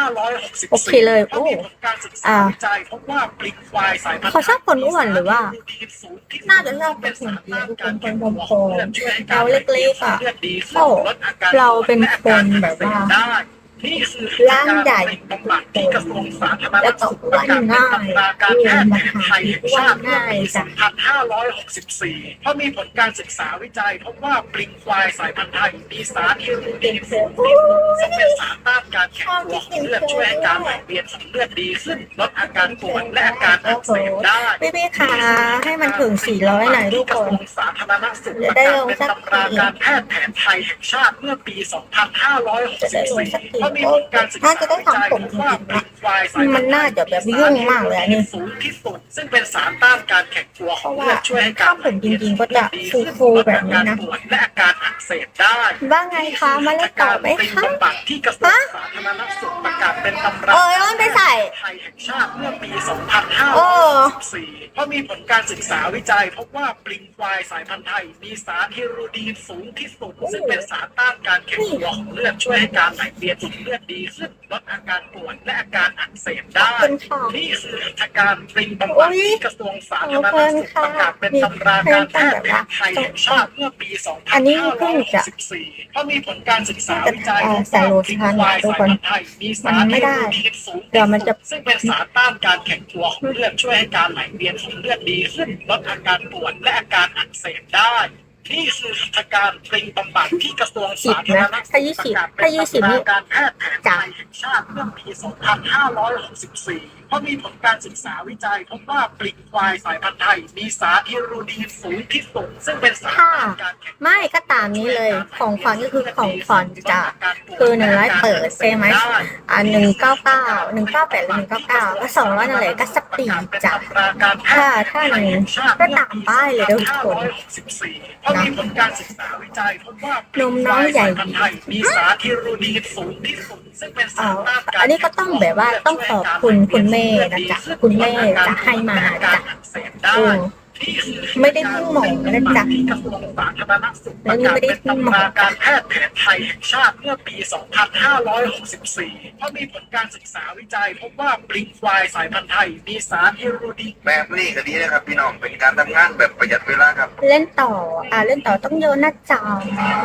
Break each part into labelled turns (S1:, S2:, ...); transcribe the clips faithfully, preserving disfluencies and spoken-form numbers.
S1: โอเคเลยโอ้อ่าเขาชอบคนอ้วนหรือว่าน่าจะชอบคนหุ่นดีทุกคนคนผอมๆเราเล็กๆอ่ะโอ้เราเป็นคนแบบว่าร่างใหญ่แล้วก็อ้วนง่ายอ้วนมาหาอ้วนง่ายจ้ะ
S2: เพราะมีผลการศึกษาวิจัยพบว่าปลิงควายสายพันธุ์ไทยมีสารอิรูดีนสูงที่สุดซึ่งเป็นสารต้านการแข็งตัวของเลือดช่วยให้การไหลเวียนของเลือดดีขึ้นลดอาการปวดและอาการอักเสบได้
S1: พี่พี่ค่ะให้มันถึงสี่ร้อยหน่อยทุกคน
S2: สาธารณสุขประกาศเป็นตำราการแพทย์แผนไทยแห่งชาติเมื่อปี สองพันห้าร้อยหกสิบสี่ เพราะมีผลการศึกษา
S1: น่าจะได้ทำผมจริงๆนะมันน่าจะแบบยุ่งมากเลยอันนี้
S2: สูงที่สุดซึ่งเป็นสารต้านการแข็งตัวของเลือดช่วยให้การ
S1: ทำผมจริงๆก็จะฟูๆแบบนี้นะ
S2: และอาการอักเสบได้
S1: ว่าไงคะมาเล่นต่อไหมคะ
S2: ที่กระทรวงสาธารณสุขประกาศเป็นตำรา
S1: เออย้อนไปใส่
S2: ไทยแห่งชาติเมื่อปี สองพันห้าร้อยสิบสี่ เพราะมีผลการศึกษาวิจัยพบว่าปลิงควายสายพันธุ์ไทยมีสารฮิรูดีนสูงที่สุดซึ่งเป็นสารต้านการแข็งตัวของเลือดช่วยให้การไหลเวียนของเลือดดีขึ้นลดอาการปวดและอาการอักเสบได้นี่คือหัตถการปลิงบำบัดที่กระทรวงสาธารณสุขประกาศเป็นตำราการแพทย์แผนไทยแห่งชาติเมื่อปี สองพันห้าร้อยหกสิบสี่ เพราะมีผลการศึกษาวิจัยพบว่าปลิงควายสายพันธุ์ไทยมีสารฮิรูดีนสูงที่สุดซึ่งเป็นสารต้านการแข็งตัวของเลือดช่วยให้การไหลเวียนของเลือดดีขึ้นลดอาการปวดและอาการอักเสบได้นี่คือหัตถการปลิงบำบัดที่กระทรวงสาธารณสุขประกาศเป็นตำราการแพทย์แผนไทยแห่งชาติเมื่อปี สองพันห้าร้อยหกสิบสี่ เพราะมีผลการศึกษาวิจัยพบว่าปลิงควายสายพันธุ์ไทยมีสารฮิรูดีนสูงที่สุดซึ่งเป็นสารต้านการแข็ง
S1: ไม่ก็ตามนี้เลยของขวัญก็คือของขวัญจะคือหนึ่งร้อยเปิดใช่ไหมอ่าหนึ่งเก้าเก้าหนึ่งเก้าแปดหรือหนึ่งเก้าเก้าก็สองร้อยนั่นแหละก็สปีดจ้ะถ้าถ้าหนึ่งก็ตามป้ายเลยทุกคนนะนมน้อยใหญ่
S2: มีสารฮิรูดีนสูงที่สุดซึ่งเป็นสารต้านการ
S1: อันนี้ก็ต้องแบบว่าต้องขอบคุณคุณแม่นะจ๊ะคุณแม่จะให้มาจ้ะโอ้ไม่ได้พึ่งหมอนะจ๊ะ
S2: แล้วนี่ไม่ได้พึ่งหมอการแพทย์แผนไทยแห่งชาติเมื่อปี สองพันห้าร้อยหกสิบสี่ เพราะมีผลการศึกษาวิจัยพบว่าปลิงควายสายพันธุ์ไทยมีสารฮิรูดีน
S3: แบบนี้ก็ดีนะครับพี่น้องเป็นการทำงานแบบประหยัดเวลาครับ
S1: เล่นต่ออ่าเล่นต่อต้องโยนหน้าจอ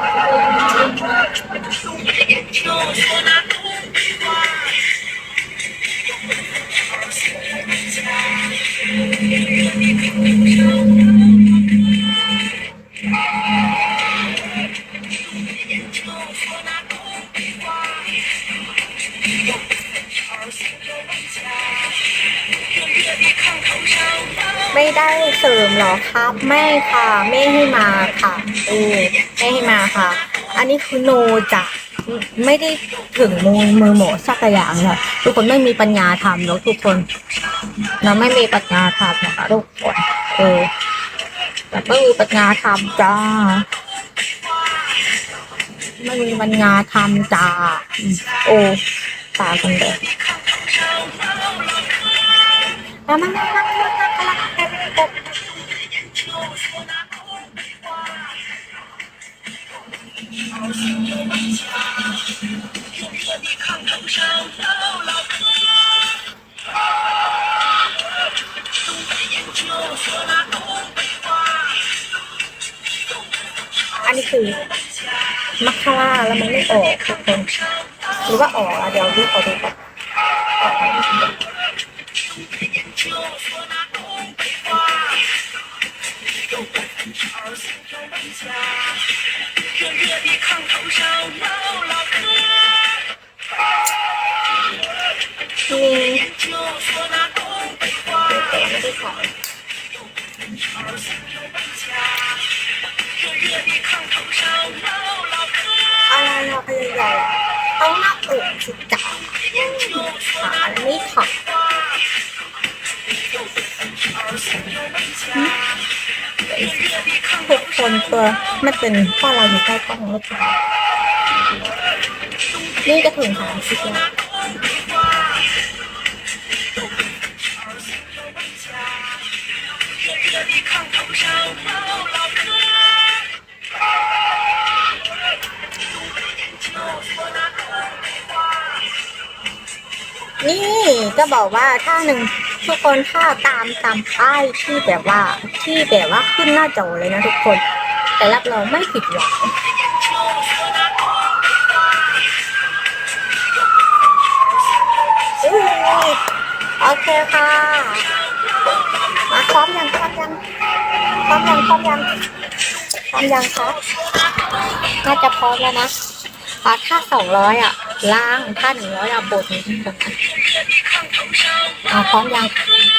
S1: ไม่ได้เสริมหรอครับไม่ค่ะไม่ให้มาค่ะเออไม่ให้มาค่ะ อันนี้คือโนจะไม่ได้ถึงมือมือหมอสักอย่างเลยทุกคนไม่มีปัญญาทำแล้วทุกคนเราไม่มีปัญญาทำนะคะทุกคนเออแต่ไม่มีปัญญาทำจ้าไม่มีปัญญาทำจ้าโอ้ตากันเลยมามามามาอันนี้คือมัคคาร่าแล้วมันไม่ออกทุกคนหรือว่าออกเดี๋ยวดูขอดูก่อนนี่ไม่ได้ใส่อะไรอะพยายามต้องหน้าอกสิจ๋าขาไม่ถักทุกคนตัวมันเป็นข้อเราอยู่ใกล้กล้องแล้วจ้ะนี่จะถึงสามสิบแล้วนี่ก็บอกว่าถ้าหนึ่งทุกคนถ้าตามตามป้ายที่แบบว่าที่แบบว่าขึ้นหน้าจอเลยนะทุกคน แต่รับรองไม่ผิดหวังอุ้ยโอเคค่ะมาพร้อมยังพร้อมยังพร้อมยังพร้อมยังพร้อมยังครับน่าจะพร้อมแล้วนะอ่าถ้าสองร้อยอ่ะล่างถ้าหนึ่งร้อยอ่ะบนอ่าพร้อมยัง